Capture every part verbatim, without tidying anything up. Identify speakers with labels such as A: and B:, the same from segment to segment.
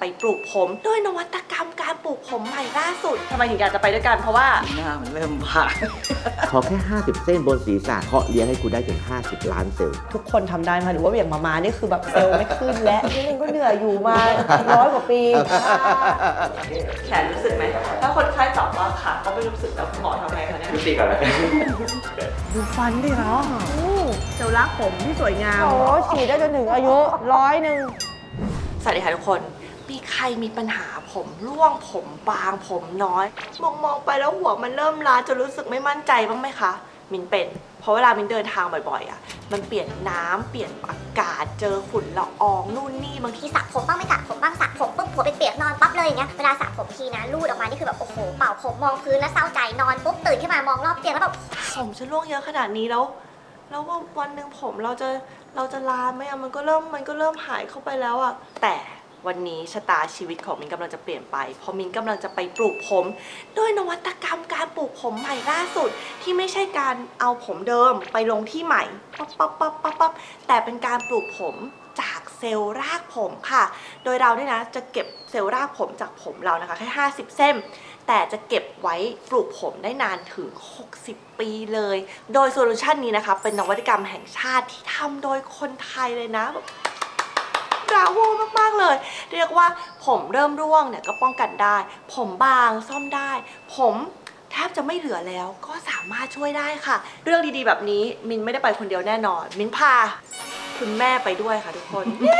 A: ปลูกผมด้วยนวัตกรรมการปลูกผมใหม่ล่าสุดทำไมถึงอยากจะไปด้วยกันเพราะว่า
B: หน้ามันเริ่มผ่า
C: ขอแค่ห้าสิบเส้นบนศีรษะเพาะเลี้ยงให้คุณได้ถึงห้าสิบล้านเซลล์
D: ทุกคนทำได้ไหมหรือว่าอย่างมามานี่คือแบบเซลล์ไม่ขึ้นและนี่เองก็เหนื่อยอยู่มาร้อยกว่าปี
A: แขนรู้สึกไหมถ้าคนไข้ตอบว่าขาก็ไม่รู้สึกแล้วคุณหมอทำไงคะเนี่ย
C: ดูตีก่อนเลย
D: ดูฟันดิเนาะเซลล์รากผมที่สวยงามโอ้ฉีดได้จนถึงอายุร้อยหนึ่ง
A: สวัสดีค่ะทุกคนมีใครมีปัญหาผมร่วงผมบางผมน้อยมองมองไปแล้วหัวมันเริ่มล้าจนรู้สึกไม่มั่นใจบ้างไหมคะมินเป็นเพราะเวลามินเดินทางบ่อยๆอ่ะมันเปลี่ยนน้ำเปลี่ยนอากาศเจอฝุ่นละอองนู่นนี่บางที
E: สระผมบ้างไม่สระผมบ้างสระผมปุ๊บหัวเปียกๆนอนปั๊บเลยอย่างเงี้ยเวลาสระผมทีนะลูดออกมานี่คือแบบโอ้โหเป่าผมมองพื้นแล้วเศร้าใจนอนปุ๊บตื่นขึ้นมามองรอบเตียงแล้วแบบ
A: ผมฉันร่วงเยอะขนาดนี้แล้วแล้วว่าวันหนึ่งผมเราจะเราจะลาไหมอะมันก็เริ่มมันก็เริ่มหายเข้าไปแล้วอะแต่วันนี้ชะตาชีวิตของมินกำลังจะเปลี่ยนไปเพราะมินกำลังจะไปปลูกผมด้วยนวัตกรรมการปลูกผมใหม่ล่าสุดที่ไม่ใช่การเอาผมเดิมไปลงที่ใหม่ปั๊บปั๊บปั๊บปั๊บปั๊บแต่เป็นการปลูกผมจากเซลล์รากผมค่ะโดยเราเนี่ยนะจะเก็บเซลล์รากผมจากผมเรานะคะแค่ห้าสิบเส้นแต่จะเก็บไว้ปลูกผมได้นานถึงหกสิบปีเลยโดยโซลูชันนี้นะคะเป็นนวัตกรรมแห่งชาติที่ทำโดยคนไทยเลยนะแบบบราโวมากๆเลยเรียกว่าผมเริ่มร่วงเนี่ยก็ป้องกันได้ผมบางซ่อมได้ผมแทบจะไม่เหลือแล้วก็สามารถช่วยได้ค่ะเรื่องดีๆแบบนี้มินไม่ได้ไปคนเดียวแน่นอนมินพาคุณแม่ไปด้วยค่ะทุกคน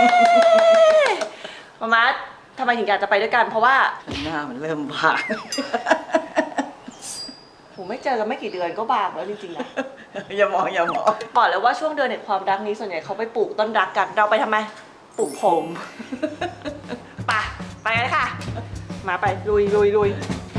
A: มามาทำไมถึงอยากจะไปด้วยกันเพราะว่า
B: หน้ามันเริ่มผ่า
A: ผมไม่เจอกันไม่กี่เดือนก็บางแล้วจริงๆนะ
B: อย่ามองอย่ามอง
A: บอกเลยว่าช่วงเดือนแห่งความรักนี้ส่วนใหญ่เขาไปปลูกต้นรักกันเราไปทำไมปลูกผมไปไปเลยค่ะมาไปลุยลุยลุย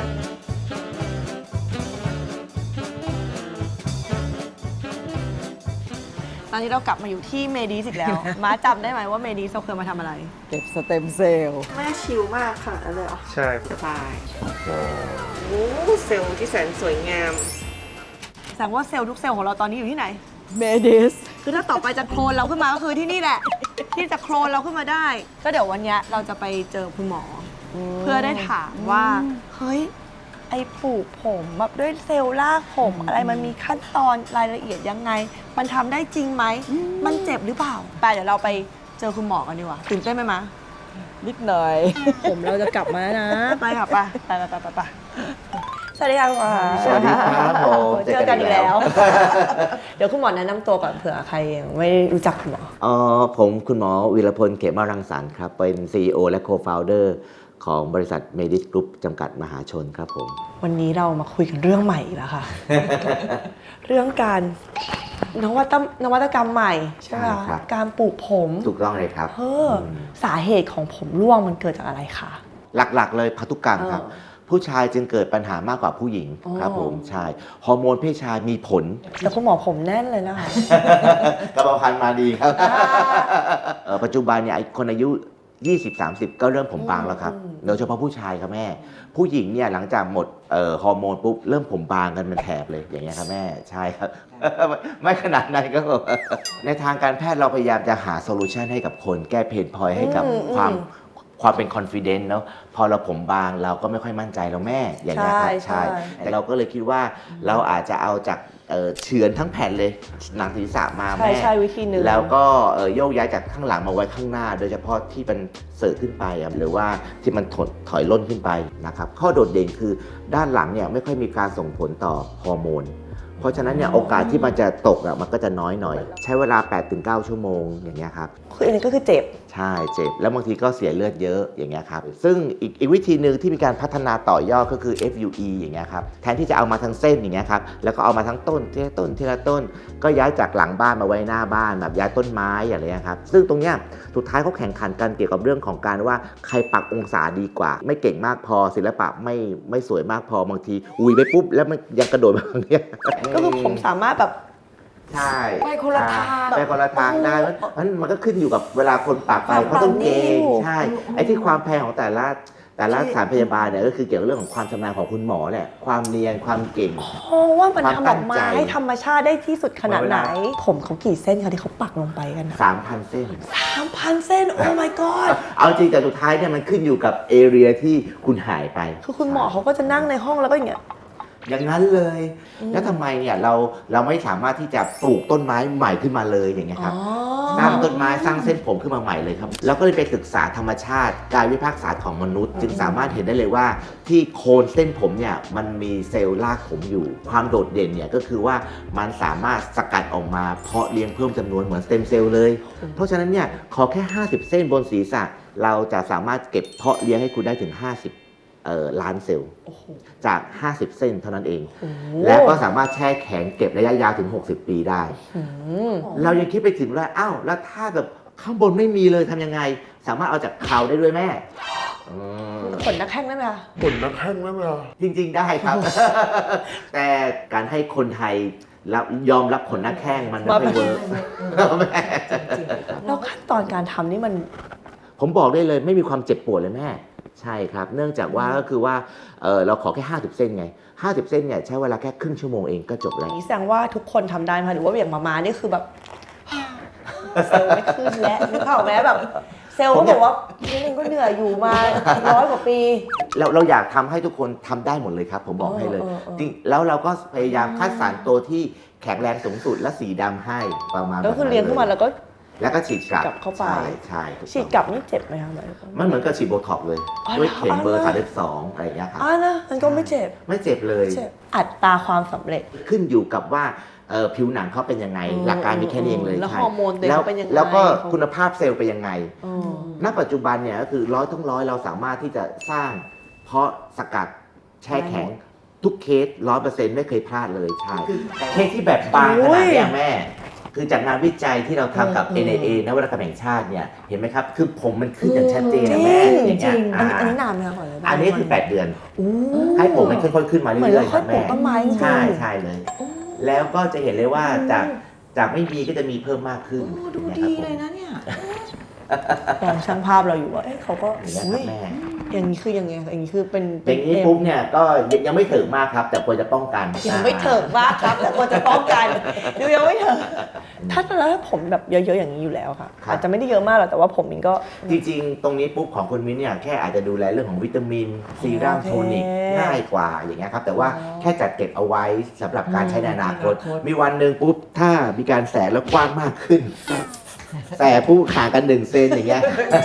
A: ตอนนี้เรากลับมาอยู่ที่เมดีสอีกแล้ว ม้าจำได้ไหมว่าเมดีสเราเคยมาทำอะไร
B: เก็บสเต็มเซลล์
A: แม่ชิลมากค่ะอะไรเหรอ
C: ใช่
A: สบายโอ้เซลล์ที่แสนสวยงามแสดงว่าเซลล์ทุกเซลล์ของเราตอนนี้อยู่ที่ไหน
B: เมดิส
A: คือถ้าต่อไปจะโคลนเราขึ้นมาก็คือที่นี่แหละที่จะโคลนเราขึ้นมาได้ก็เดี๋ยววันนี้เราจะไปเจอคุณหมอเพื่อได้ถามว่าเฮ้ยไอ้ปลูกผมแบบด้วยเซลล์รากผมอะไรมันมีขั้นตอนรายละเอียดยังไงมันทำได้จริงไหมมันเจ็บหรือเปล่าไปเดี๋ยวเราไปเจอคุณหมอกันดีกว่าตื่นเต้นไหมมะ
B: นิดหน่อย
D: ผมเราจะกลับมาแล้วนะ
A: ไปค่ะไปไปไปไปไปสวัสดีค่ะคุณหมอ
C: สวัสดีครับผม
D: เจอกันอีกแล้วเดี๋ยวคุณหมอแนะนำตัวก่อนเผื่อใครยังไม่รู้จักคุณหมอ
C: อ๋อผมคุณหมอวีรพลเขมรังสรรค์ครับเป็น ซี อี โอ และ Co-founder ของบริษัท Medis Group จำกัดมหาชนครับผม
D: วันนี้เรามาคุยกันเรื่องใหม่แล้วค่ะ เรื่องการนวัตนวัตกรรมใหม่ใช่ไหมคะการปลูกผม
C: ถูกต้องเลยครับ
D: เออสาเหตุของผมร่วงมันเกิดจากอะไรคะ
C: หลักๆเลยพันธุกรรมครับผู้ชายจึงเกิดปัญหามากกว่าผู้หญิงครับผมใช่ฮอร์โมนเพศชายมีผล
D: แต่คุณหมอผมแน่นเลยนะคะ
C: กระเพาะพันธุ์มาดีครับปัจจุบันเนี่ยคนอายุยี่สิบ สามสิบ ก็เริ่มผมบางแล้วครับโดยเฉพาะผู้ชายครับแม่ผู้หญิงเนี่ยหลังจากหมดฮอร์โมนปุ๊บเริ่มผมบางกันเป็นแถบเลยอย่างเงี้ยครับแม่ใช่ครับไม่ขนาดนั้นก็ในทางการแพทย์เราพยายามจะหาโซลูชันให้กับคนแก้เพนพอยต์ให้กับความความเป็นคอนฟิเดนซ์เนาะพอเราผมบางเราก็ไม่ค่อยมั่นใจเราแม่อย่างเงี้ยครับใช่แต่เราก็เลยคิดว่าเราอาจจะเอาจากเฉือนทั้งแผ่นเลยหนังศีรษะมาแม่
D: ใช่วิธีหนึ่ง
C: แล้วก็โยกย้ายจากข้างหลังมาไว้ข้างหน้าโดยเฉพาะที่มันเสิร์ฟขึ้นไปหรือว่าที่มันถดถอยล่นขึ้นไปนะครับข้อโดดเด่นคือด้านหลังเนี่ยไม่ค่อยมีการส่งผลต่อฮอร์โมนเพราะฉะนั้นเนี่ยโอกาสที่มันจะตกอ่ะมันก็จะน้อยหน่อยใช้เวลา แปดถึงเก้า ชั่วโมงอย่างเงี้ยครับ
D: คืออันนี้ก็คือเจ็บ
C: ใช่เจ็บแล้วบางทีก็เสียเลือดเยอะอย่างเงี้ยครับซึ่งอีกอีกวิธีหนึ่งที่มีการพัฒนาต่อยอดก็คือ เอฟ ยู อี อย่างเงี้ยครับแทนที่จะเอามาทั้งเส้นอย่างเงี้ยครับแล้วก็เอามาทั้งต้นทีละต้นทีละต้นก็ย้ายจากหลังบ้านมาไว้หน้าบ้านแบบย้ายต้นไม้อย่างเงี้ยครับซึ่งตรงเนี้ยสุดท้ายเขาแข่งขันกันเกี่ยวกับเรื่องของการว่าใครปักองศาดีกว่าไม่เก่งมากพอศิลปะไม่ไม่สวยมากพอบางทีอุ้ยไปปุ๊บแล้วมันยังกระโดดมาอย่างเงี้ย
D: ก็คือผมสามารถแบบ
C: ใช่
D: ไปคนละทาง
C: ไปคนละทางได้มันมันก็ขึ้นอยู่กับเวลาคนปากไปเขาต้องเก่งใช่ไอ้ที่ความแพงของแต่ละแต่ละสถานพยาบาลเนี่ยก็คือเกี่ยวกับเรื่องของความชำนาญของคุณหมอแหละความเนียนความเก่ง
D: เพราะว่ามัน
C: ความ
D: ทำอ
C: ตั้
D: อก
C: ง
D: มา
C: ใจ
D: ให้ธรรมชาติได้ที่สุดขนาดไหน
C: เวลา
D: ผมเขากี่เส้นคะที่เขาปักลงไปกันนะ
C: สามพันเส้น
D: สามพันเส้น โอ้ my god
C: เอาจริงแต่สุดท้ายเนี่ยมันขึ้นอยู่กับเอเรียที่คุณหายไป
D: คือคุณหมอเขาก็จะนั่งในห้องแล้วก็อย่างเงี้ย
C: อย่างนั้นเลย แล้วทำไมเนี่ยเราเราไม่สามารถที่จะปลูกต้นไม้ใหม่ขึ้นมาเลยอย่างเงี้ยครับ สร้างต้นไม้สร้างเส้นผมขึ้นมาใหม่เลยครับแล้วก็เลยไปศึกษาธรรมชาติกายวิภาคศาสตร์ของมนุษย์ จึงสามารถเห็นได้เลยว่าที่โคนเส้นผมเนี่ยมันมีเซลล์รากผมอยู่ ความโดดเด่นเนี่ยก็คือว่ามันสามารถสกัดออกมาเพาะเลี้ยงเพิ่มจำนวนเหมือนสเต็มเซลล์เลย เพราะฉะนั้นเนี่ยขอแค่ห้าสิบเส้นบนศีรษะเราจะสามารถเก็บเพาะเลี้ยงให้คุณได้ถึงห้าสิบเอ่อล้านเซลล์จากห้าสิบเส้นเท่านั้นเอง แล้วก็สามารถแช่แข็งเก็บระยะยาวถึงหกสิบปีได้ เรายังคิดไปถึงว่าอ้าวแล้วถ้าแบบข้างบนไม่มีเลยทำยังไง สามารถเอาจากเขาได้ด้วยแม่อืม
D: ขนนักแข้งได้ไหมคะ
F: ผลนักแข้งได้ไหมอ่ะ
C: จริง ๆ ได้ครับ แต่การให้คนไทยรับยอมรับขนหน้าแข้งมันไม่ค่อยเวิร์กแม่
D: แล้วขั้นตอนการทำนี่มัน
C: ผมบอกได้เลยไม่มีความเจ็บปวดเลยแม่ ใช่ครับ เนื่องจากว่าก็คือว่าเออเราขอแค่ห้าสิบเส้นไงห้าสิบเส้นเนี่ยใช้เวลาแค่ครึ่งชั่วโมงเองก็จบแล้ว
D: นี่แสดงว่าทุกคนทำได้ไหมหรือว่าอย่างมามานี่คือแบบ เซลล์ไม่ขึ้นแล้วนึกเปล่าไหมแบบ เซลล์ก็บอกว่านี่เองก็เหนื่อยอยู่มาร้อยกว่าปี
C: เราเราอยากทำให้ทุกคนทำได้หมดเลยครับ ผมบอกให้เลย
D: เออเออเออ
C: จริงแล้วเราก็พยายามคัดสรรตัวที่แข็งแรงสูงสุดและสีดำให้ประมาณ
D: แล้วคือเลี้ยงขึ้นมาแล้วก็
C: แล้วก็ฉีดกลับ
D: กลับเข้าไป
C: ใช่ใช่ถูต้อง
D: ฉีดกลับนี่เจ็บไหมคะหมายถึง
C: มันเหมือนกับฉีดโบท็อกซ์เลย
D: อ๋อ
C: ด้วยเข็มเบอร์
D: เหรอ
C: สามสิบสองอะไรอย่างเงี้ยครับ
D: อ่านะมันก็ไม่เจ็บ
C: ไม่เจ็บเลย
D: เจ็บอัตราความสำเร็จ
C: ขึ้นอยู่กับว่าเอ่อผิวหนังเขาเป็นยังไง
D: อืม
C: หลักการมีแค่นี้เองเลย
D: แล้ว
C: ใช่
D: ฮอร์โมนตัวเอง
C: แล้ว
D: เป็นยังไง
C: แล้วก็
D: เขา
C: คุณภาพเซลล์เป็นยังไง
D: อืม
C: ณ ปัจจุบันเนี่ยก็คือร้อยทั้งร้อยเราสามารถที่จะสร้างเพาะสกัดแช่แข็งทุกเคสร้อยเปอร์เซ็นต์ไม่เคยพลาดเลยใช่เคสที่แบบบางขนาดเนี้ยแม่ คือจากงานวิจัยที่เราทำกับ เอ็น ไอ เอ นวัตกรรมแห่งชาติเนี่ยเห็นไหมครับ คือผมมันขึ้นอย่างชัดเจนนะแม่อย่าง
D: จ
C: เงี้
D: ริ
C: ย
D: งอันนี้
C: อ่า
D: อันนี้นานไหมคะก่อนเลย
C: อันนี้คือ แปด เดือน
D: อู้
C: ให้ผมมันค่อยๆขึ้นมา
D: เหมือน
C: เรื่
D: เรา
C: อยๆค
D: ค่อ
C: รั
D: ย
C: บ
D: ปลู
C: แม่
D: กต้นไม้จริงๆ
C: ใช่ใช่เลย
D: โอ้
C: แล้วก็จะเห็นเลยว่าจากจากไม่มีก็จะมีเพิ่มมากขึ้น
D: โอ้ดู
C: อย่าง
D: ดี
C: เงี้ยครับผม
D: เลยนะเนี่ยมองช่างภาพเราอยู่ว่าเอ๊ะเขาก็
C: อย่างเงี้ยครับแม่
D: อย่างนี้คือยังไงอย่างนี้คือเป็น
C: อย่างนี้ปุ๊บเนี่ยก็ยังยังไม่ถึงมากครับ แต่ควรจะป้องกัน
D: ยังไม่เถิงมากครับ แต่ควรจะป้องกันดูยังไม่เถิงถ้าแล้วถ้าผมแบบเยอะๆอย่างนี้อยู่แล้วค่ะอาจจะไม่ได้เยอะมากหรอกแต่ว่าผมมันก็
C: จริงๆ ตรงนี้ปุ๊บของคุณมิ้นเนี่ยแค่อาจจะดูแลเรื่องของวิตามินซีรัม
D: โอเค
C: โทนิกง่ายกว่าอย่างเงี้ยครับแต่ว่า
D: อ๋อ
C: แค่จัดเก็บเอาไว้สำหรับการใช้ในอนาคต
D: อนาคต
C: มีวันหนึ่งปุ๊บถ้ามีการแสแล้วกว้างมากขึ้น แสผู้ห่างกันหนึ่งเซนอย่างเงี้ย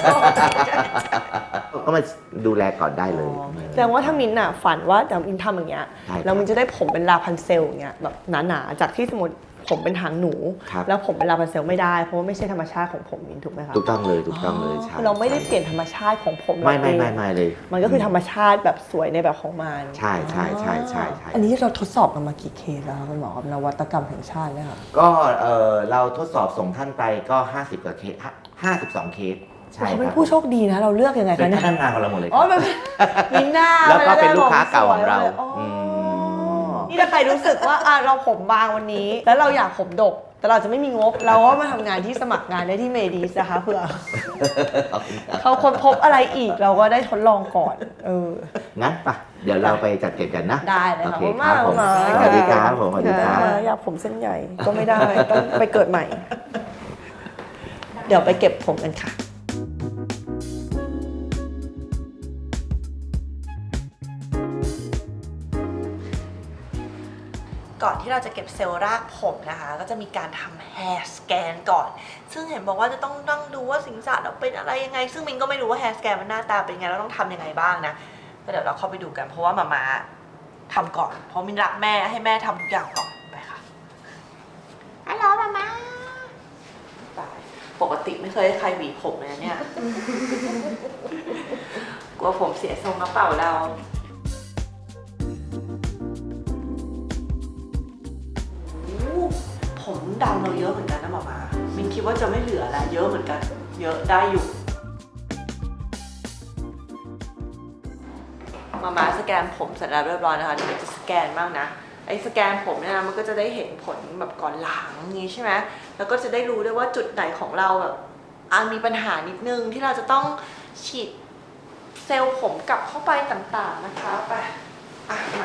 C: ก็มาดูแลก่อนได้เลย
D: แสดงว่าถ้ามินน่ะฝันว่าแต่มินทำอย่างเงี้ย
C: ใช่ครับ
D: แล้วมินจะได้ผมเป็นลาพันเซลอย่างเงี้ยแบบหนาๆจากที่สมมติผมเป็นหางหนู
C: ครับ
D: แล้วผมเป็นลาพันเซลไม่ได้เพราะว่าไม่ใช่ธรรมชาติของผมมินถูกไหมคะ
C: ถูกต้องเลยถูกต้องเลยใช่
D: เราไม่ได้เปลี่ยนธรรมชาติของผม
C: ไม่ไม่
D: เรา
C: ไม่
D: เอง
C: ไม่เลย
D: มันก็คือธรรมชาติแบบสวยในแบบของมัน
C: ใช่ใช่ใช่ใช่ใช่
D: อันนี้เราทดสอบกันมากี่เคสแล้วคะคุณหมอกับนวัตกรรมแห่งชาติเนี่ยค่ะ
C: ก็เออเราทดสอบส่งท่านไปก็ ห้าสิบกว่าเคสห้าสิบสองเคสใช่
D: เขา
C: ค
D: เป็น
C: รับ
D: ผู้โชคดีนะเราเลือกยังไง
C: เป็
D: คะ
C: น
D: เนี่ย
C: พนักงานของเราหมดเลย
D: อ๋อเป็นมินหน้า
C: แล้วก็เป็นลูกค้าเก่าของเรา
D: อ๋ออ
C: ม
D: นี่ถ้าใครรู้สึกว่าอ่ะเราผมบางวันนี้ แล้วเราอยากผมดก แต่เราจะไม่มีงบ เราก็มาทำงานที่สมัครงานได้ที่เมดีสนะคะเผื่อเขาค้นพบอะไรอีกเราก็ได้ทดลองก่อนเออ
C: งั้นปะเดี๋ยวเราไปจัดเก็บกันนะ
D: ได้เลย
C: โอ
D: ค่ะ
C: เค
D: ขอบคุณ
C: ค
D: มา
C: รั
D: ก
C: บผม
D: ค่ะ
C: สวัสดีครับผมสวัสดีครับ
D: ค่ะอยากผมเส้นใหญ่ก็ไม่ได้ ต้องไปเกิดใหม่ เดี๋ยวไปเก็บผมกันค่ะ ก่อนที่เราจะเก็บเซลล์รากผมนะคะ ก็จะมีการทำ hair scan ก่อน ซึ่งเห็นบอกว่าจะต้องนั่งดูว่าสิงสารเราเป็นอะไรยังไง ซึ่งมินก็ไม่รู้ว่า hair scan มันหน้าตาเป็นยังไงเราต้องทำยังไงบ้างนะก็เดี๋ยวเราเข้าไปดูกันเพราะว่ามาม่าทำก่อน เพราะมินรักแม่ให้แม่ทำทุกอย่างก่อนไปค่ะ
E: ฮัลโหลมาม่า
D: ตายปกติไม่เคยให้ใครหวีผมเลยนะเนี่ย กลัวผมเสียทรงกระเป๋าเราผมดำเราเยอะเหมือนกันนะหมอมามินคิดว่าจะไม่เหลือแล้วเยอะเหมือนกัน เยอะได้อยู่มามาสแกนผมเสร็จแล้วเรียบร้อยนะคะเดี๋ยวจะสแกนบ้างนะไอ้สแกนผมเนี่ยนะมันก็จะได้เห็นผลแบบก่อนหลังนี้ใช่ไหมแล้วก็จะได้รู้ด้วยว่าจุดไหนของเราแบบอ่ะมีปัญหานิดนึงที่เราจะต้องฉีดเซ
A: ซลล์ผมกลับเข้าไปต่างๆนะคะไปอ่ะมา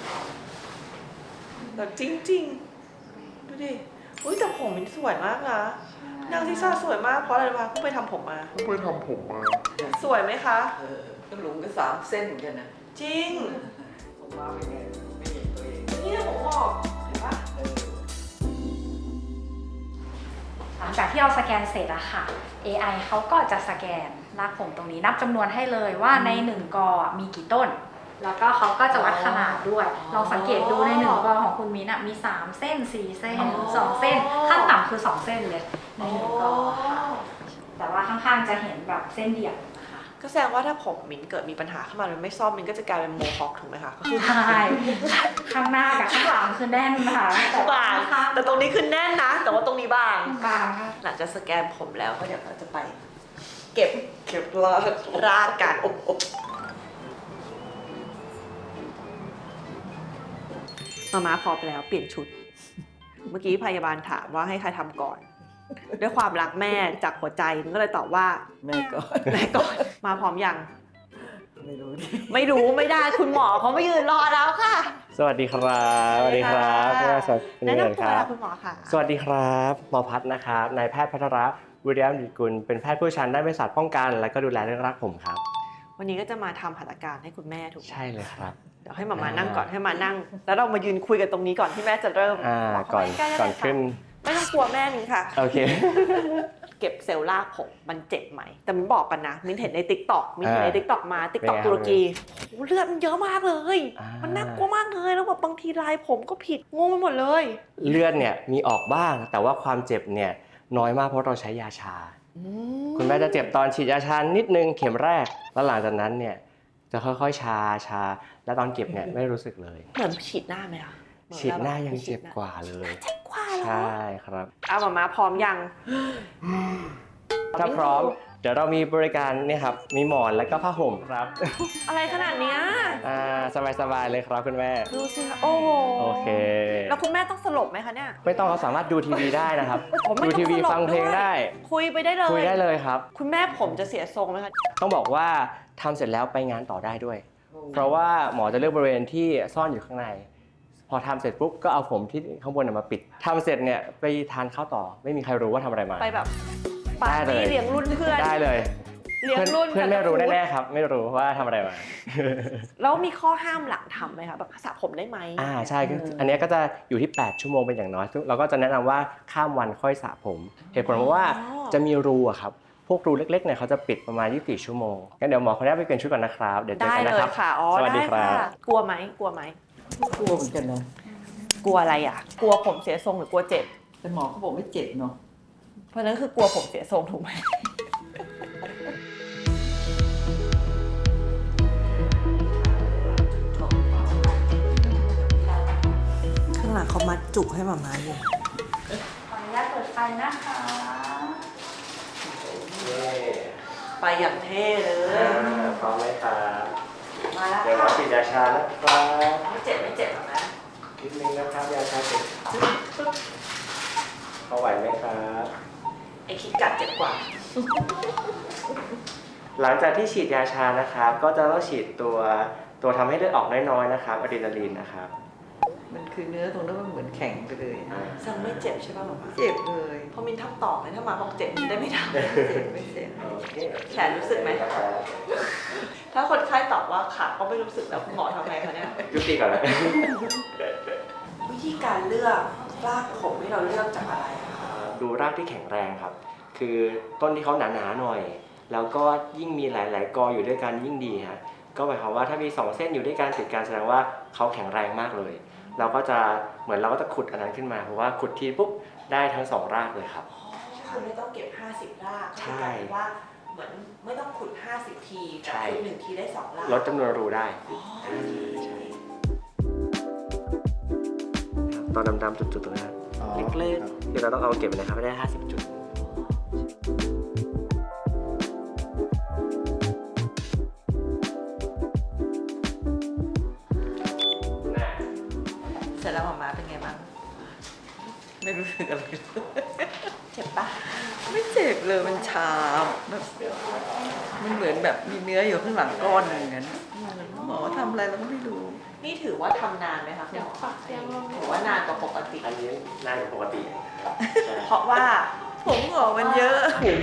A: แบบจริงๆดูดิอุ้ยแต่ผมมันสวยมากนะนางทิซ่าสวยมากเพราะอะไรวะเพิ่งไปทำผมมาเพิ่งไปทำผมมาสวยไหมคะ
B: เออก็หลุมก็สามเส้นเหมือนกันนะ
A: จริง
B: ผมมาเป็นไงไม่เห็นตัวเอง
A: นี่ผมบอกเห็นปะ
B: เออ
F: หลังจากที่เราสแกนเสร็จอะค่ะ เอ ไอ เขาก็จะสแกนรากผมตรงนี้นับจำนวนให้เลยว่าในหนึ่งกอมีกี่ต้น แล้วก็เขาก็จะวัดขนาดด้วย ลองสังเกตดูในหนึ่งกอของคุณมิ้นอะมีสามเส้นสี่เส้นสองเส้นขั้นต่ำคือสองเส้นเลยในหนึ่งกอค่ะแต่ว่าข้างๆจะเห็นแบบเส้นเดี่ยวนะคะ
A: ก็แสดงว่าถ้าผมมิ้นเกิดมีปัญหาขึ้นมามันไม่ซ่อมมิ้นก็จะกลายเป็นโมฮอคถูกไหมคะก็คือ
F: ใช่ข้างหน้ากับข้างหลังคือแน่นค่ะแต่ว่า
A: บาง
F: ข้าง
A: แต่ตรงนี้คือแน่นนะ แต่ว่าตรงนี้บาง
F: บางค่ะ
A: หลังจากสแกนผมแล้วก็เดี๋ยวเราจะไป เก็บ
B: เก็บลาก
A: รากกันมาม่าพร้อมแล้วเปลี่ยนชุด เมื่อกี้พยาบาลถามว่าให้ใครทำก่อน ด้วยความรักแม่จากหัวใจมันก็เลยตอบว่า
B: แม่ก่อน
A: แม่ก่อน มาพร้อมยัง
B: ไม่รู้ดิ
A: ไม่รู้ไม่ได้คุณหมอเขาไม่ยืนรอแล้วค่ะ
G: สวัสดีครับสวัสดีครับคุณสวัสดี
A: แนะ
G: ค
A: นำตัว
G: รับ
A: นะคุณหมอค่ะ
G: สวัสดีครับหมอพัฒน์นะครับนายแพทย์พัทรวิริยมดิกุลเป็นแพทย์ผู้เชี่ยวชาญด้านเภสัชป้องกัน และก็ดูแลเรื่องรักผมครับ
A: วันนี้ก็จะมาทำหัตถการให้คุณแม่ถูกไหม
G: ใช่เลยครับ
A: เดี๋ยวให้หมามานั่งก่อนให้มานั่ง แล้วเรามายืนคุยกันตรงนี้ก่อนที่แม่จะเริ่ม
G: อ่า
A: บเข้า
G: ก่อน
A: ไปใล้ๆได้
G: ก่อน
A: เลยค่ะ
G: ขึ้น
A: ไม่ต้องกลัวแม่มิ้นค่ะ
G: โอเค
A: เก็บเซลล์รากผมมันเจ็บไหม แต่มิ้นบอกกันนะ มิ้นเห็นในติ๊กต็อกมิ้นเห็นใน
G: อ่า
A: ติ๊กต็อกมาติ๊กต็อก
G: เป็นไง
A: ตุรกีโอ้เลือดมันเยอะมากเลย
G: อ่ามั
A: มันน่ากลัวมากเลยแล้วแบบบางทีลายผมก็ผิดงงไปหมดเลย
G: เลือดเนี่ยมีออกบ้าง แต่ว่าความเจ็บเนี่ยน้อยมากเพราะเราใช้ยาชา คุณแม่จะเจ็บตอนฉีดยาชานิดนึงเข็มแรก แล้วหลังจากนั้นเนี่ยจะค่อยๆชาชา แล้วตอนเก็บเนี่ยไม่รู้สึกเลย
A: เหมือนฉีดหน้าไหมคะ
G: ฉีดหน้ายังเจ็บกว่าเลย
A: เจ็บกว่าเหรอ
G: ใช่ครับ
A: เอาหมามาพร้อมยัง
G: ถ้าพร้อมเดี๋ยวเรามีบริการเนี่ยครับมีหมอนแล้วก็ผ้าห่มครับ
A: อะไรขนาดเนี้ย
G: อ่าสบายๆเลยครับคุณแม่
A: ดูสิคะโอ้โห
G: โอเค
A: แล้วคุณแม่ต้องสลบไหมคะเนี่ย
G: ไม่ต้องเราสามารถดูทีวีได้นะครับ
A: ผมไม่
G: ดู
A: ต้อง
G: ทีวี
A: สลบ
G: ฟังเพลง
A: ด้วย
G: ได้
A: คุยไปได้เลย
G: คุยได้เลยครับ
A: คุณแม่ผมจะเสียทรงไหมคะ
G: ต้องบอกว่าทำเสร็จแล้วไปงานต่อได้ด้วย เพราะว่าหมอจะเลือกบริเวณที่ซ่อนอยู่ข้างใน พอทำเสร็จปุ๊บก็เอาผมที่ข้างบนเนยมาปิดทำเสร็จเนี่ยไปทานข้าวต่อ ไม่มีใครรู้ว่าทำอะไรมา
A: ไปแบบปา
G: ได้
A: ร์
G: เล
A: ตี้
G: ย
A: เลี้ยงรุ่นเพื่อน
G: ได้เลย
A: เลี้ยง
G: เพื่อน
A: รุ่น
G: เพื่อนไม่รู้แน่ๆครับ ไม่รู้ว่าทำอะไรมา
A: แล้วมีข้อห้ามหลังทำไหมคะแบบสระผมได้ไหม
G: อ่าใช่คืออันเนี้ยก็จะอยู่ที่แปดชั่วโมงเป็นอย่างน้อยซึ่งเราก็จะแนะนำว่าข้ามวันค่อยสระผม เหตุผลเพราะว่าจะมีรูอะครับพวกรูเล็กๆเนี่ยเขาจะปิดประมาณยี่สิบสี่ชั่วโมงงั้นเดี๋ยวหมอขออนุญาตไปเปลี่ยนชุดก่อนนะครับเดี๋ยวเจอ
A: ได้
G: กัน
A: เล
G: นะค
A: ย
G: รับ
A: ค่ะอ๋อ
G: สวัสดี
A: ได้
G: ครับ
A: ค่ะกลัวไหมกลัวไหม
B: กลัวเหมือนกันนะ
A: กลัวอะไรอ่ะ กลัวผมเสียทรงหรือกลัวเจ็บ
B: แต่หมอเขาบอกไม่เจ็บเนาะ
A: เพราะฉะนั้นคือกลัวผมเสียทรงถูกไหมข้างหลังเขามัดจุกให้หมามาอยู่
F: ขออนุญาตเปิดไฟนะคะ
A: ไปอย่างเท่เลย
G: พร้อมไหมครับ
A: มาแล้ว
G: เดี๋ยว
A: ค่ะ
G: มาฉีดยาชานะครับ
A: ไม่เจ็บไม่เจ็บหรอกนะ
G: นิดนึงนะครับยาชาเจ็บพอไหวไหมครับ
A: ไอคิดกัดเจ็บกว่า
G: หลังจากที่ฉีดยาชานะครับ ก็จะต้องฉีดตัวตัวทำให้เลือดออกน้อยๆนะครับอะดรีนาลีนนะครับ
B: มันคือเนื้อตรงนั้นมันเหมือนแข็งไปเลย
G: อ่า
A: ซังไม่เจ็บใช่ป่ะหมอ
B: เจ็บเลย
A: พอมินทำต่อไหมถ้ามาบอกเจ็บมินได้ไม่ท
B: เจ็บไม่เจ็บ
G: โอเค
A: ำแขนรู้สึกไหม ถ้าคนไข้ตอบว่าขาก็ไม่รู้สึกแล้วคุณหมอทำไงคะเนี่ย
G: ยุติก่อนเลย
A: วิธีการเลือกรากผมที่เราเลือกจากอะไรอะคะ
G: ดูรากที่แข็งแรงครับ คือต้นที่เขาหนาๆหน่อย แล้วก็ยิ่งมีหลายๆกออยู่ด้วยกันยิ่งดีฮะก็หมายความว่าถ้ามีสองเส้นอยู่ด้วยกันติดกันแสดงว่าเขาแข็งแรงมากเลย เราก็จะเหมือนเราก็จะขุดอันนั้นขึ้นมาเพราะว่าขุดทีปุ๊บได้ทั้งสองรากเลยครับ
A: คือไม่ต้องเก็บห้าสิบราก
G: ใช่
A: ก็คือกลายเป็นว่าเหมือนไม่ต้องขุดห้าสิบทีแต่
G: ใช่
A: ขุดหนึ่งทีได้สองราก
G: ลดจำนวนรูได้
A: อ๋อ
G: ใช่ตอนดำๆจุดๆตรงนั้นเล็กๆที่เราต้องเอาเก็บนะครับไม่ได้ห้าสิบจุด
A: เสร็จแล้วหมอมาเป็นไงบ้าง
B: ไม่รู้สึกอะไร
A: เจ็บ
D: ปะ
B: ไม่เจ็บเลยมันชาแบบมันเหมือนแบบมีเนื้ออยู่ข้างหลังก้อนหนึ่งนั้นหมอทำอะไรเราก็ไม่รู้
D: นี่ถือว่าทำนานไหมคะคุณหมอถือว่านานกว่าปกติ
G: อันนี้น่าจะปกติใช่
D: เพราะว่า
B: ผมหงอกมันเยอะ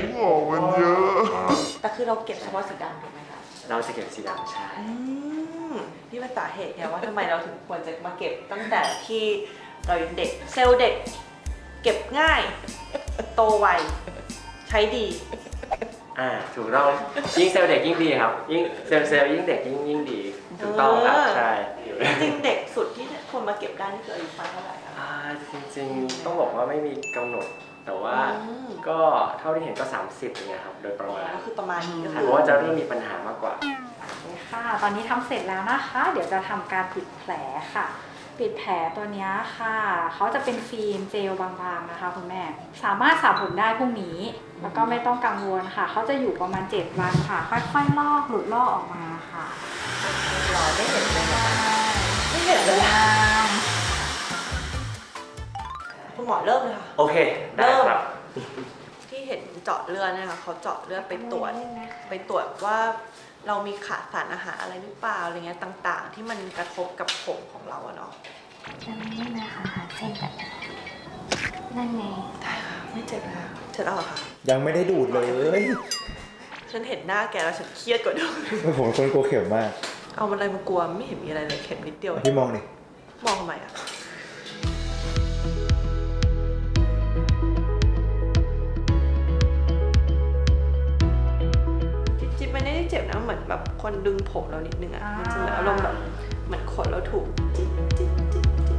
D: แต่คือเราเก็บเฉพาะสีดำถูกไหมคะ
G: เราจะเก็บสีดำใช่
D: อืมนี่เป็นสาเหตุไงว่าทำไมเราถึงควรจะมาเก็บตั้งแต่ที่เรายังเด็กเซลล์เด็ก เก็บง่าย โตไวใช้ดี
G: อ่าถูกต้องยิ่งเซลล์เด็กยิ่งดีครับ ยิ่งเซลล์เซลล์ยิ่งเด็กยิ่งยิ่งดีถูกต้องครับ
D: เออ
G: ใช่
D: จริงๆเด็กสุดที่คนมาเก็บได้นี่คืออายุประมาณเท่าไหร่คะ
G: อ่าจริงๆต้องบอกว่าไม่มีกำหนด แต่ว่า
D: อืม
G: ก็เท่าที่เห็นก็ สามสิบอย่างเงี้ยครับโดยประมาณ
D: ก็คือประมาณนี้ก็
G: ห
D: คื
G: รือ อว่าจะเริ่มมีปัญหามากกว่า
F: ค่ะ ตอนนี้ทำเสร็จแล้วนะคะ เดี๋ยวจะทำการปิดแผลค่ะ ปิดแผลตัวเนี้ยค่ะเขาจะเป็นฟิล์มเจลบางๆนะคะคุณแม่ สามารถสระผมได้พรุ่งนี้ แล้วก็ไม่ต้องกังวลค่ะ เขาจะอยู่ประมาณเจ็ดวันค่ะ ค่อยๆลอกหลุดลอกออกมาค่ะ
D: รอได้เห็นเลยนะคะไม่เห็นเลยอะคุณหมอเริ่มเลยค่ะ
G: โอเคได้ครับ
D: ที่เห็นเจาะเลือดเนะคะเขาเจาะเลือดไปตรวจไปตรวจว่าเรามีขาดสารอาหารอะไรหรือเปล่าอะไรเงี้ยต่างๆ ที่มันกระทบกับผมของเราอะเนาะ
E: จะไม่ได้นะคะหาเส้นแบบนั่นไง
D: ไม่เจ็บแล้วเจ็บแล้วเหรอคะ
H: ยังไม่ได้ดูดเลย
D: ฉันเห็นหน้าแกแล้วฉันเครียดกว่าเดิม
H: ผมเป็นคนกลัวเข็มมาก
D: เอาอะไรมากลัวไม่เห็นมีอะไรเลยเข็มนิดเดียว
H: พี่มองดิ
D: มองทำไมอะจริงๆมันไม่ได้เจ็บนะเหมือนแบบคนดึงผมเรานิดนึงอะ
F: อ่ามั
D: มันจะเหมือนอารมณ์แบบเหมือนขนเราถูกจิ๊ดจิ๊ดจิ๊ดจิ๊ด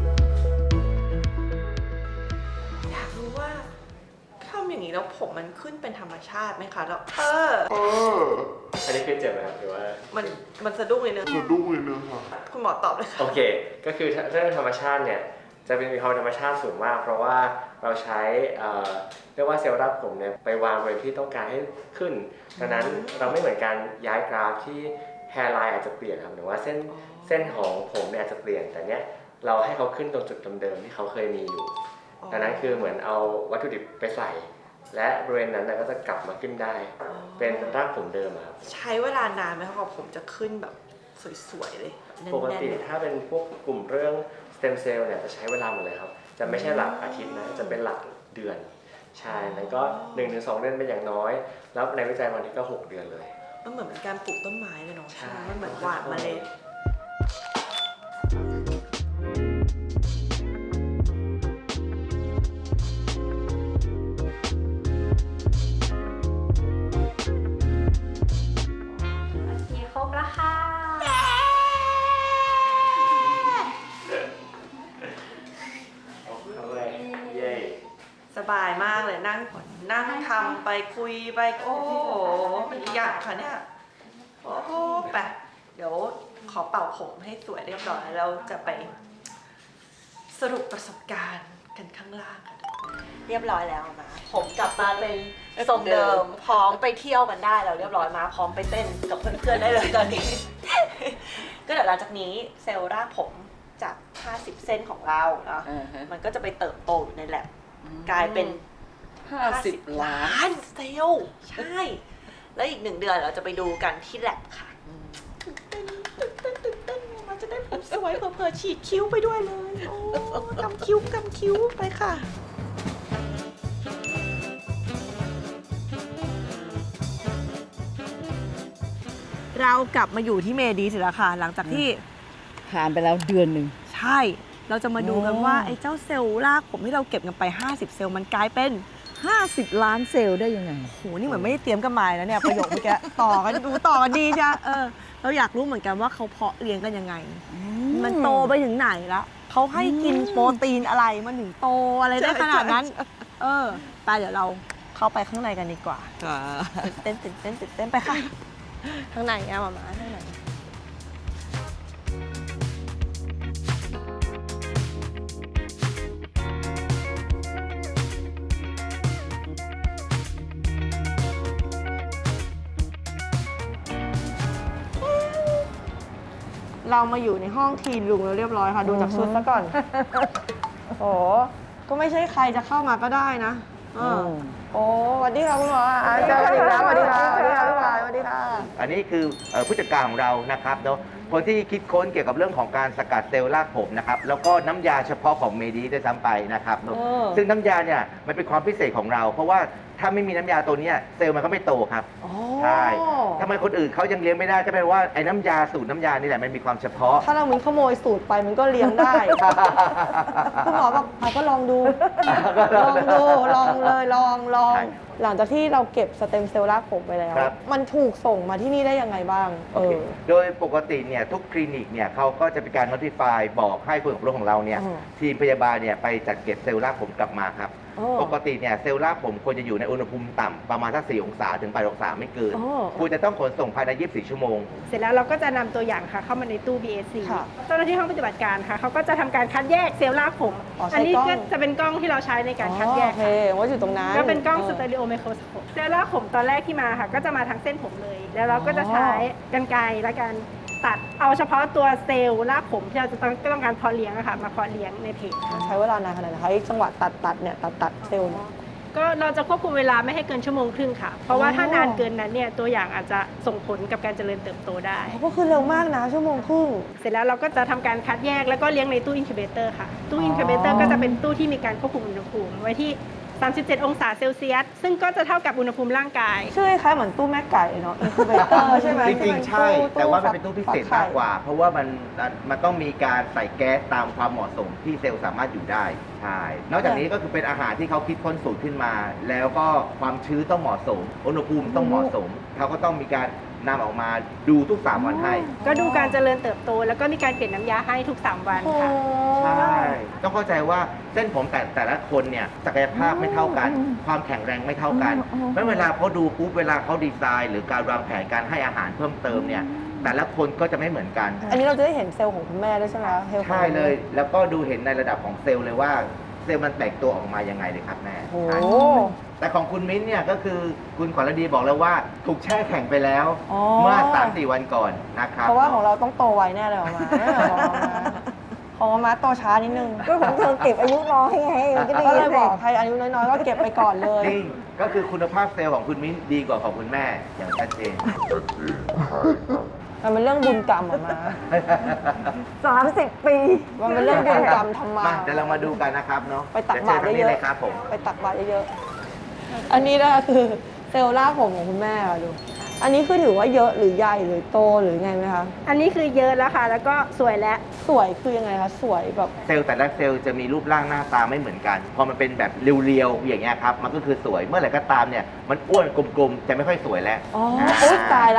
D: อยากรู้ว่าทำอย่างนี้แล้วผมมันขึ้นเป็นธรรมชาติไหมคะแล้วเออ
G: อันนี้คือเจ็บไหมครับหรือว่า
D: มันมันสะดุ้งเลยเนอะสะดุ้งเลยเนอะคุณหมอตอบเลยค่ะ
G: โอเค ก็คือเรื่องธรรมชาติเนี่ยจะเป็นมีความธรรมชาติสูงมาก เพราะว่าเราใช้เอ่อเรียกว่าเซลล์รากผมเนี่ยไปวางบริเวณที่ต้องการให้ขึ้นดังนั้นเราไม่เหมือนการย้ายกราฟที่แฮร์ไลน์อาจจะเปลี่ยนครับหรือว่าเส้นเส้นของผมเนี่ยอาจจะเปลี่ยนแต่เนี้ยเราให้เขาขึ้นตรงจุดเดิมๆที่เขาเคยมีอยู่ดังนั้นคือเหมือนเอาวัตถุดิบไปใส่ และบริเวณนั้นนะก็จะกลับมาขึ้นได้ เป็นรากผมเดิมอะครับ
D: ใช้เวลานานไหมคะกว่าผมจะขึ้นแบบสวยๆเลยแบบแน่นๆ
G: ปกติถ้าเป็นพวกกลุ่มเรื่องสเต็มเซลล์เนี่ยจะใช้เวลาหมดเลยครับ จะไม่ใช่หลักอาทิตย์นะ จะเป็นหลักเดือน ใช่แล้วก็หนึ่งถึงสองเดือนเป็นอย่างน้อย แล้วในวิจัยบางทีก็หกเดือนเลย
D: มันเหมือนเป็นการปลูกต้นไม้เลยเนาะ
G: ใช่
D: มันเหมือนหว่านเมล็ด
F: โอเคครบแล้วค่ะ
G: เอาเลยเย้
D: สบายมากเลยนั่งนั่งทำไปคุยไปโอ้โหมันอีกอย่างค่ะเนี่ยโอ้โหไปเดี๋ยวขอเป่าผมให้สวยเรียบร้อยแล้วจะไปสรุปประสบการณ์กันข้างล่างกันเรียบร้อยแล้วนะผมกลับมาเป็นทรงเดิมพร้อมไปเที่ยวกันได้แล้วเรียบร้อยมาพร้อมไปเต้นกับเพื่อนๆได้เลยตอนนี้ ก็เดี๋ยวหลังจากนี้เซลล์รากผมจาก ห้าสิบ เส้นของเราเนาะ
B: อ่าฮะ
D: มันก็จะไปเติบโตอยู่ในแลบกลายเป็น
B: ห้าสิบล้าน
D: นเซลล์ใช่ แล้วอีกหนึ่งเดือนเราจะไปดูกันที่แลบค่ะตื่นเต้นตื่นเต้นตื่นเต้นเราจะได้ผมสวยเผื่อๆฉีดคิ้วไปด้วยเลย โอ้กำคิ้วกำคิ้วไปค่ะ เรากลับมาอยู่ที่เมดีเสร็จแล้วค่ะ หลังจากที่
B: ผ่านไปแล้วเดือนหนึ่ง
D: ใช่ เราจะมาดูกัน
B: โอ้
D: ว่าไอ้เจ้าเซลล์รากผมที่เราเก็บกันไป ห้าสิบ เซลล์มันกลายเป็น
B: ห้าสิบล้านเซลล์ได้ยังไง
D: โห นี่เหมือนไม่ได้เตรียมกันมาแล้วเนี่ย ประโยคเมื่อกี้ ต่อกันดูต่อกันดีจ้ะเออ เราอยากรู้เหมือนกันว่าเขาเพาะเลี้ยงกันยังไง มันโตไปถึงไหนละเขาให้กินโปรตีนอะไรมันถึงโตอะไรได้ขนาดนั้น เออไปเดี๋ยวเราเข้าไปข้างในกันดีกว่าตื่นเต้นตื่นเต้นตื่นเต้นไปค่ะ ข้างในอะมามาข้างในเรามาอยู่ในห้องทีลุงแล้วเรียบร้อยค่ะ ดูจากชุดซะก่อน โอ้ก็ไม่ใช่ใครจะเข้ามาก็ได้นะเออ
A: โอ้สวัสดีค่ะคุณหมออ่ะเจอกันอีกแล้วสวัสดีค่ะสวัสดีค่ะพี่หวานสวัสดีค่ะ
C: อันนี้คือเอ่อผู้จัดการของเรานะครับเนาะคนที่คิดค้นเกี่ยวกับเรื่องของการสกัดเซลล์รากผมนะครับแล้วก็น้ำยาเฉพาะของเมดีด้วยซ้ำไปนะครับเนอะ
A: เออ
C: ซึ่งน้ำยาเนี่ยมันเป็นความพิเศษของเรา เพราะว่าถ้าไม่มีน้ำยาตัวเนี้ยเซลล์มันก็ไม่โตครับ
A: อ๋อ
C: ใช่ทำไมคนอื่นเขายังเลี้ยงไม่ได้ก็เป็นว่าไอ้น้ำยาสูตรน้ำยานี่แหละมันมีความเฉพาะ
A: ถ้าเราเหมือนขโมยสูตรไปมันก็เลี้ยงได้ คุณหมอบอกอ่ะก็ลองดู ลองดู ลองเลย ลอง ลอง
C: ใช่
A: หลังจากที่เราเก็บสเต็มเซลล์รากผมไปแล้ว
C: ครับ
A: มันถูกส่งมาที่นี่ได้ยังไงบ้าง
C: โอ
A: เอ
C: เค
A: อ
C: โดยปกติเนี่ยทุกคลินิกเนี่ยเขาก็จะเป็นการ notify บอกให้ผู้อบรมของเราเนี่ย
A: อืม
C: ทีมพยาบาลเนี่ยไปจัดเก็บเซลล์รากผมกลับมาครับ
A: โอ้
C: ปกติเนี่ยเซลล์รากผมควรจะอยู่ในอุณหภูมิต่ำประมาณสักสี่องศาถึงแปดองศาไม่เกิน
A: โอ้
C: ควรจะต้องขนส่งภายในยี่สิบสี่ชั่วโมง
I: เสร็จแล้วเราก็จะนำตัวอย่างค่ะเข้ามาในตู้ บี เอส ซี
A: ค่ะ
I: เจ้าหน้าที่ห้องปฏิบัติการค่ะเขาก็จะทำการคัดแยกเซลล์รากผม
A: อ๋อใช้
I: อันนี้
A: กล้อง
I: ก็จะเป็นกล้องที่เราใช้ในการคัดแยก
A: โอเค
I: ค่ะ
A: ว่าอยู่ตรงนั้น
I: ก็เป็นกล้องสเต
A: อ
I: อริโอไมโครสโคปเซลล์รากผมตอนแรกที่มาค่ะก็จะมาทางเส้นผมเลย แล้วเราก็จะใช้กรรไกรและการตัดเอาเฉพาะตัวเซลล์รากผมที่เราจะต้องก็ต้องการเพาะเลี้ยงอะค่ะมาเพาะเลี้ยงในเพจ
A: ใช้เวลานานขนาดไหนคะไอ้จังหวะตัดตัดเนี่ยตัดตัดเซลล์เนี่ย
I: ก็เราจะควบคุมเวลาไม่ให้เกินชั่วโมงครึ่งค่ะ เพราะว่าถ้านานเกินนั้นเนี่ยตัวอย่างอาจจะส่งผลกับการเจริญเติบโตได้
A: ก็คือเร็วมากนะชั่วโมงครึ่ง
I: เสร็จแล้วเราก็จะทำการคัดแยกแล้วก็เลี้ยงในตู้อินคิวเบเตอร์ค่ะ ตู้
A: อ๋ออิ
I: อินคิวเบเตอร์ก็จะเป็นตู้ที่มีการควบคุมอุณหภูมิไว้ที่ สามสิบเจ็ด องศาเซลเซียส ซึ่งก็จะเท่ากับอุณหภูมิร่างกาย
A: ชื่อคล้ายๆเหมือนตู้แม่ไก่เนาะอินคูเบเตอร์ใช่ไหม
C: จริงๆใช่ แต่ว่ามันเป็นตู้พิเศษมากกว่า เพราะว่ามันมันต้องมีการใส่แก๊สตามความเหมาะสมที่เซลล์สามารถอยู่ได้ใช่นอกจากนี้ก็คือเป็นอาหารที่เขาคิดค้นสูตรขึ้นมา แล้วก็ความชื้นต้องเหมาะสม อุณหภูมิต้องเหมาะสม เขาก็ต้องมีการนำออกมาดูทุกสามวันให้
I: ก็ดูการเจริญเติบโต แล้วก็มีการเปลี่ยนน้ำยาให้ทุกสามวัน
A: โอ้
I: ค่ะ
C: ใช่ต้องเข้าใจว่าเส้นผมแต่แต่ละคนเนี่ยศักยภาพไม่เท่ากัน ความแข็งแรงไม่เท่ากันไม่เวลาเขาดูปุ๊บเวลาเขาดีไซน์ หรือการวางแผนการให้อาหารเพิ่มเติมเนี่ยแต่ละคนก็จะไม่เหมือนกัน
A: อันนี้เราจะได้เห็นเซลล์ของคุณแม่ด้วยใช่ไหมเฮล
C: ใช่เลย แล้วก็ดูเห็นในระดับของเซลล์เลยว่าเซลล์มันแตกตัวออกมายังไงเลยครับแม่
A: โอ้
C: ใช่แต่ของคุณมิ้นท์เนี่ยก็คือคุณขวัญฤดีบอกแล้วว่าถูกแช่แข็งไปแล้ว
A: อ๋อ
C: เมื่อ สามสี่ วันก่อนนะครับ
A: เพราะว่าของเราต้องโตไวแน่เลยออกมาของมาของมาโตช้านิดนึง
J: ก็ของเธอเก็บอายุน้อยไงมันก็ดี
A: ก็เลย
J: สิ
A: บอกใครอายุน้อยๆก็เก็บไปก่อนเลย
C: จริงก็คือคุณภาพเซลล์ของคุณมิ้นท์ดีกว่าของคุณแม่อย่างชัดเจน
A: มันเป็นเรื่องบุญกรรมออกมา
J: สามสิบปี
A: มันเป็นเรื่องบุญกรรมทำมา
C: มาเดี๋ยวเรามาดูกันนะครับเนาะ
A: ไปตักบาตร
C: ดี๋วชิญทง
A: เย
C: นี้
A: อะ
C: เลยครับผม
A: ๆไปตักบาตรเยอะๆอันนี้นะคะคือเซลล์รากผมของคุณแม่ค่ะดู อันนี้คือถือว่าเยอะหรือใหญ่หรือโตหรือไงไหมคะ
I: อันนี้คือเยอะแล้วค่ะ แล้วก็สวยแล้ว
A: สวยคือยังไงคะสวยแบบ
C: เซลล์แต่ละเซลล์จะมีรูปร่างหน้าตาไม่เหมือนกัน พอมันเป็นแบบเรียวๆอย่างเงี้ยครับ มันก็คือสวย เมื่อไหร่ก็ตามเนี่ย มันอ้วนกลมๆ จะไม่ค่อยสวยแล้ว
A: อ๋อโอ๊ยตายละ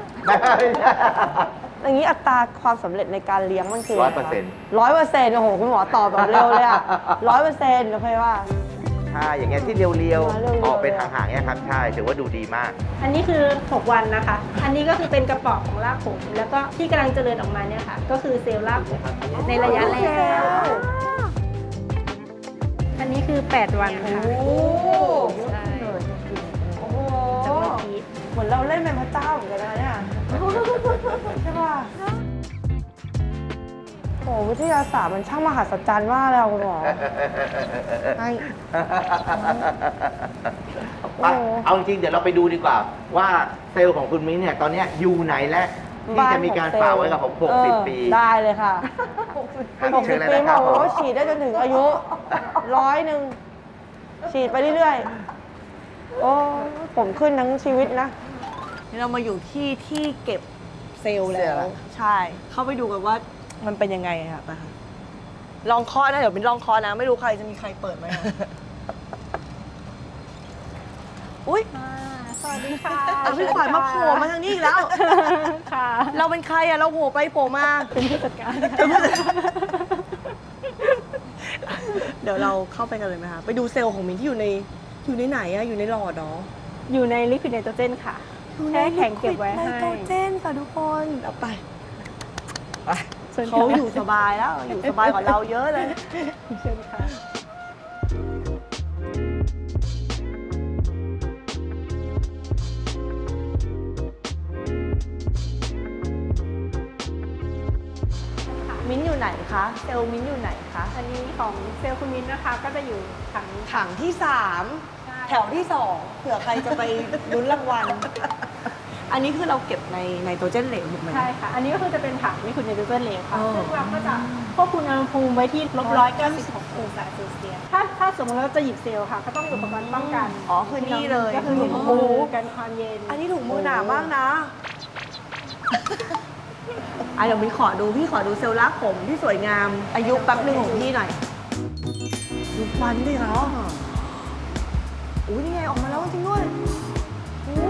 A: อย่างนี้อัตราความสำเร็จในการเลี้ยงมันคือ
C: ร้อยเปอร์เซ็นต์
A: ร้อยเปอร์เซ็นต์โอ้โหคุณหมอตอบแบบเร็วเลยอะร้อยเปอร์เซ็นต์โอเคว่า
C: ใช่ อย่างเงี้ยที่เรียว
A: มาเรียวๆ
C: ๆ ออกเป็นห่างๆเนี่ยครับ ใช่ ถือว่าดูดีมาก
I: อันนี้คือ หก วันนะคะ อันนี้ก็คือเป็นกระป๋องของรากผม แล้วก็ที่กำลังเจริญออกมาเนี่ยค่ะ ก็คือเซลล์รากผมในระยะแรก อันนี้คือ แปด วันค่ะ
A: โอ้โห
I: ใช่
A: โอ้โห
I: จะมีพีช
A: เหมือนเราเล่นเป็นพระเจ้าเหมือนกันนะเนี่ยใช่ป่ะโอ้วิทยาศาสตร์มันช่างมหัศจรรย์มากเลยอะคุณหมอให้
C: ไปเอาจริงๆเดี๋ยวเราไปดูดีกว่า ว่าเซลล์ของคุณมิ้นท์เนี่ย ตอนเนี้ยอยู่ไหนและที่จะมีการฝากไว้กับผมหกสิบ
A: เออ
C: ปี
A: ได้เลยค่ะ
C: หก
A: หก
C: สิ
A: สิ
C: บบ
A: ปี
C: ค
A: บ
C: รั
A: อบ ก
C: ผม
A: ว่าฉีดได้จนถึงอายุร้อยหนึ่งฉีดไปเรื่อยๆ โอ้ผมขึ้นทั้งชีวิตนะ เรามาอยู่ที่ที่เก็บเซลล์แล้ว ใช่ เข้าไปดูกันว่ามันเป็นยังไงอะค่ะไปค่ะลองเคาะนะ เดี๋ยวเป็นลองเคาะนะ ไม่รู้ใครจะมีใครเปิดไหมคะอุ้ย
I: สวัสดีค่ะ
A: อ่ะพี่ขวัญมาโผล่มาทางนี้อีกแล้ว
I: ค่ะ
A: เราเป็นใครอะเราโผล่ไปโผล่มา
I: เป็นผู้จัดการ
A: เดี๋ยวเราเข้าไปกันเลยไหมคะ ไปดูเซลล์ของมินที่อยู่ในอยู่ในไหนอะอยู่ในหลอดเหรอ
I: อยู่ในลิควิดไนโตรเจนค่ะแช่แข็งเก็บไว้ให้
A: ไนโตรเจนค่ะทุกคนเอาไปไป
I: เชิญค่ะ
A: เขาอยู่สบายแล้ว อยู่สบายกว่าเราเยอะเลย
I: เชิญค่ะ
A: มิ้นท์อยู่ไหนคะ เซลล์มิ้นท์อยู่ไหนคะ
I: อันนี้ของเซลล์คุณมินนะคะ ก็จะอยู่ถัง
A: ถังที่สาม
I: ใช่
A: แถ
D: วที่สองเผื่อใครจะไปลุ้นรางวัล อันนี้คือเราเก็บในไนโตรเจนเหลวถูกไหม
I: ใช่ค่ะ อันนี้ก็คือจะเป็นถังที่คุณไนโตรเจนเหลวค่ะ
D: อ๋อ
I: ซึ่งเราก็จะควบคุมอุณหภูมิไว้ที่ลบร้อยเก้าสิบหกองศาเซลเซียส ถ้าถ้าสมมติเราจะหยิบเซลล์ค่ะ ก็ต้องมีอุปกรณ์ป้องกัน
D: อ๋อคือนี่เลย
I: ก็คือถุงมือกันความเย็น
D: อันนี้ถุงมือหนามากนะอ่ะเดี๋ยวพี่ขอดูพี่ขอดูเซลล์รากผมที่สวยงาม อายุแป๊บหนึ่งของพี่หน่อย ดูควันดิคะอุ้ยนี่ไงออกมาแล้วจริงด้วยอู้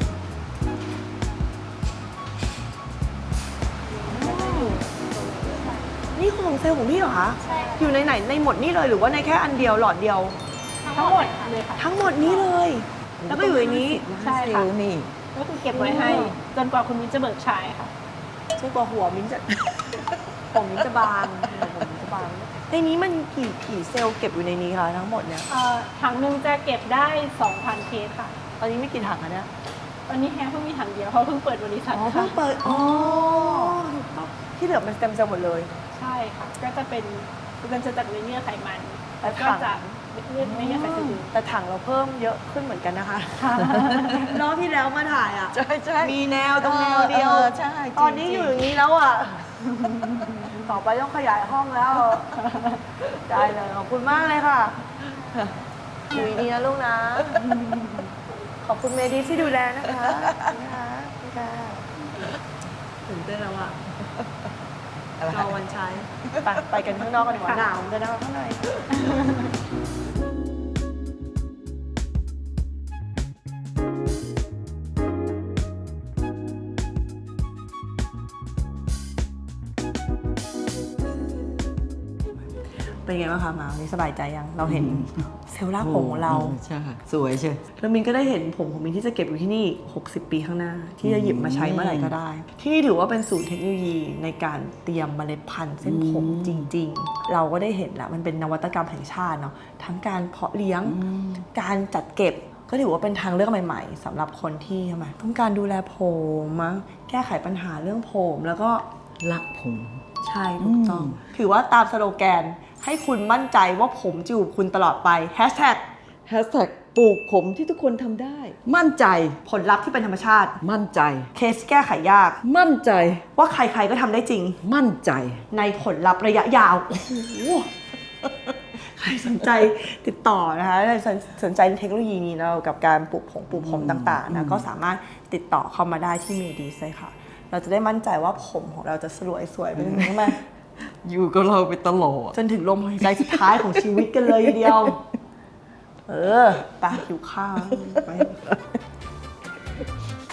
D: นี่ของเซลล์ของพี่เหรอคะ
I: ใช่
D: อยู่ในไหนในหมดนี่เลยหรือว่าในแค่อันเดียวหลอดเดียว
I: ทั้งหมดเลยค่ะ
D: ทั้งหมดนี้เลย แล้วก็อยู่ในนี้
I: ใช่ค่ะก็คือเก็บไว้ให้จนกว่าคุณมิ้นจะเบิกใช้ค่ะ
D: ใช่กว่าหัวมิ้นจะ ผมมิ้นจะบางผมมิ้นจะบางในนี้มันกี่กี่เซลล์เก็บอยู่ในนี้คะทั้งหมดเนี่ย
I: เอ่อถังหนึ่งจะเก็บได้ สองพัน เคสค่ะ
D: ตอนนี้ไม่กี่ถังอะเนี่ย
I: ตอนนี้แฮงเพิ่งมีถังเดียวเพราะเพิ่งเปิดบริษัท
D: อ๋อ
I: ค่ะ
D: เพิ่งเปิด อ๋อถูกต้องที่เหลือมันสเต็มเซลล์หมดเลย
I: ใช่ค่ะ ก็จะเป็นเป็นจะจากเนื้อไขมัน
D: และ
I: แล้วก็
D: ถัง
I: จากเลือดไม่เลือดไขมัน
D: แต่ถังเราเพิ่มเยอะขึ้นเหมือนกันนะคะ รอบที่แล้วมาถ่ายอ่ะ
B: ใช่ใช่
D: มีแนวตรงแนวเดียว
B: ออใช่จริงๆ
D: ตอนนี้อยู่อย่างนี้แล้วอ่ะ ต่อไปต้องขยายห้องแล้ว ได้เลย ขอบคุณมากเลยค่ะ อยู่ดีๆนะลูกนะ ขอบคุณเมดีที่ดูแลนะคะนะคะค่ะตื่นเต้นแล้วอ่ะรอวันใช้ ไปไปกันข้างนอกกันดีกว่าหนาวเหมือนกันนะคะข้างใน เป็นไงบ้างคะหมาวันนี้สบายใจยัง เราเห็นเซลล์รากผมของเรา
B: ใช่ สวยใช่
D: แล้วมินก็ได้เห็นผมของมินที่จะเก็บอยู่ที่นี่ หกสิบ ปีข้างหน้า ที่จะหยิบมาใช้เมื่อไหร่ก็ได้ ที่นี่ถือว่าเป็นศูนย์เทคโนโลยีในการเตรียมเมล็ดพันธุ์เส้นผมจริง ๆ เราก็ได้เห็นแล้วมันเป็นนวัตกรรมแห่งชาติเนาะ ทั้งการเพาะเลี้ยง การจัดเก็บ ก็ถือว่าเป็นทางเลือกใหม่ๆสำหรับคนที่ทำไมต้องการดูแลผมมั้งแก้ไขปัญหาเรื่องผมแล้วก็
B: รักผม
D: ใช่ถูกต้อง ถือว่าตามสโลแกนให้คุณมั่นใจว่าผมจะอยู่กับคุณตลอดไปแฮชแท็ก
B: แฮชแท็กปลูกผมที่ทุกคนทำได้ มั่นใจ
D: ผลลัพธ์ที่เป็นธรรมชาติ
B: มั่นใจ
D: เคสแก้ไขยาก
B: มั่นใจ
D: ว่าใครๆก็ทำได้จริง
B: มั่นใจ
D: ในผลลัพธ์ระยะยาว โอ้โห ใครสนใจติดต่อนะคะสนสนใจในเทคโนโลยีนี้เรากับการปลูกผมปลูกผมต่างๆนะก็สามารถติดต่อเข้ามาได้ที่เมดีสเลยค่ะ เราจะได้มั่นใจว่าผมของเราจะสวยสวยๆไปถึงไหม
B: อยู่กับเราไปตลอด
D: จนถึงลมหายใจสุดท้ายของชีวิตกันเลยทีเดียว เออไปหิวข้าวไป